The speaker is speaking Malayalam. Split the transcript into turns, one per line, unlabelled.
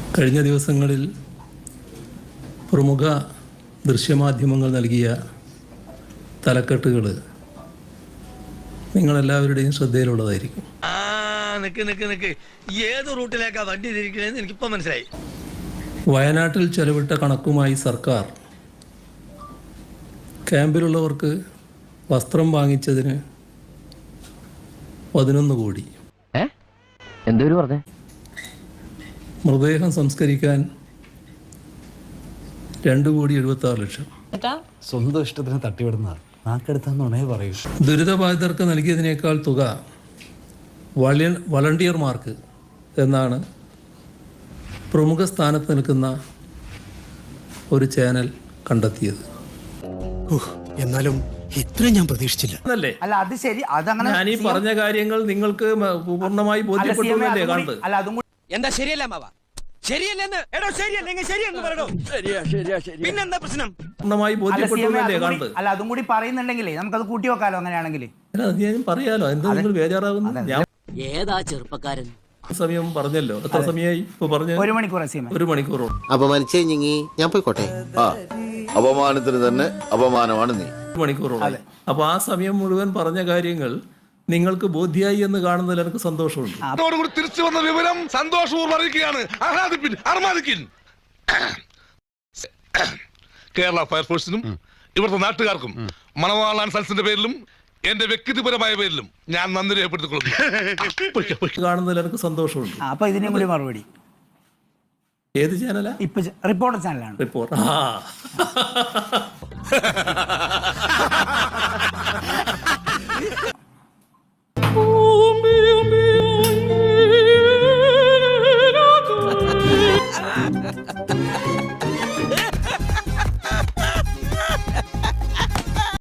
കഴിഞ്ഞ ദിവസങ്ങളിൽ പ്രമുഖ ദൃശ്യമാധ്യമങ്ങൾ നൽകിയ തലക്കെട്ടുകൾ നിങ്ങളെല്ലാവരുടെയും ശ്രദ്ധയിലുള്ളതായിരിക്കും.
ഏത് റൂട്ടിലേക്കാ വണ്ടി തിരിക്കണേന്ന് എനിക്കിപ്പോ മനസ്സിലായി.
വയനാട്ടിൽ ചെലവിട്ട കണക്കുമായി സർക്കാർ ക്യാമ്പിലുള്ളവർക്ക് വസ്ത്രം വാങ്ങിച്ചതിന് 11 കോടി, മൃതദേഹം സംസ്കരിക്കാൻ 2,76,00,000.
സ്വന്തം ഇഷ്ടത്തിന് തട്ടിവിടുന്ന നാക്കെടുത്താന്നുണേ പറയൂ.
ദുരിതബാധിതർക്ക് നൽകിയതിനേക്കാൾ തുക വളണ്ടിയർമാർക്ക് എന്നാണ് പ്രമുഖ സ്ഥാനത്ത് നിൽക്കുന്ന ഒരു ചാനൽ കണ്ടെത്തിയത്.
എന്നാലും ഇത്ര ഞാൻ പ്രതീക്ഷിച്ചില്ല.
അല്ലേ?
അല്ല, അത് ശരി. അതങ്ങനെ
ഞാൻ ഈ പറഞ്ഞ കാര്യങ്ങൾ നിങ്ങൾക്ക് പൂർണ്ണമായി ബോധ്യപ്പെട്ടല്ലേ കാണുന്നത്?
അല്ല, അതും കൂടി
എന്താ ശരിയല്ല മാവ? ശരിയല്ലെന്ന് എടോ, ശരിയല്ലെങ്കിൽ ശരിയെന്ന് പറയണോ? പിന്നെന്താ പ്രശ്നം?
പൂർണ്ണമായി ബോധ്യപ്പെട്ടല്ലേ കാണുന്നത്?
അല്ല, അതും കൂടി പറയുന്നുണ്ടെങ്കിലേ നമുക്കത് കൂട്ടി വെക്കാലോ. അങ്ങനെയാണെങ്കിൽ
ഞാൻ പറയാലോ. എന്താ നിങ്ങൾ ബേജാറാകുന്നു? ഞാൻ
ഏതാ ചെറുപ്പക്കാരൻ?
സമയം പറഞ്ഞല്ലോ. എത്ര സമയമായി ഇപ്പൊ പറഞ്ഞു?
1 മണിക്കൂർ.
1 മണിക്കൂറോ?
അപമാനിച്ചേ ഞാൻ പോയിക്കോട്ടെ.
അപമാനത്തിന് തന്നെ അപമാനമാണ് നീ.
1 മണിക്കൂറോ? അപ്പൊ ആ സമയം മുഴുവൻ പറഞ്ഞ കാര്യങ്ങൾ നിങ്ങൾക്ക് ബോധ്യായി എന്ന് കാണുന്നതിൽ എനിക്ക് സന്തോഷമുണ്ട്.
തിരിച്ചു വന്ന വിവരം സന്തോഷപൂർവ്വം അറിയിക്കുകയാണ്. കേരള ഫയർഫോഴ്സിനും ഇവിടുത്തെ നാട്ടുകാർക്കും മണവാളാൻ സൽസിന്റെ പേരിലും എന്റെ വ്യക്തിപരമായ പേരിലും ഞാൻ നന്ദി രേഖപ്പെടുത്തിക്കൊള്ളുന്നു.
കാണുന്നതിൽ എനിക്ക് സന്തോഷമുണ്ട്.
അപ്പൊ ഇതിനും കൂടി മറുപടി.
ഏത് ചാനലാ?
ഇപ്പൊ റിപ്പോർട്ടർ ചാനലാണ്.
റിപ്പോർട്ട്.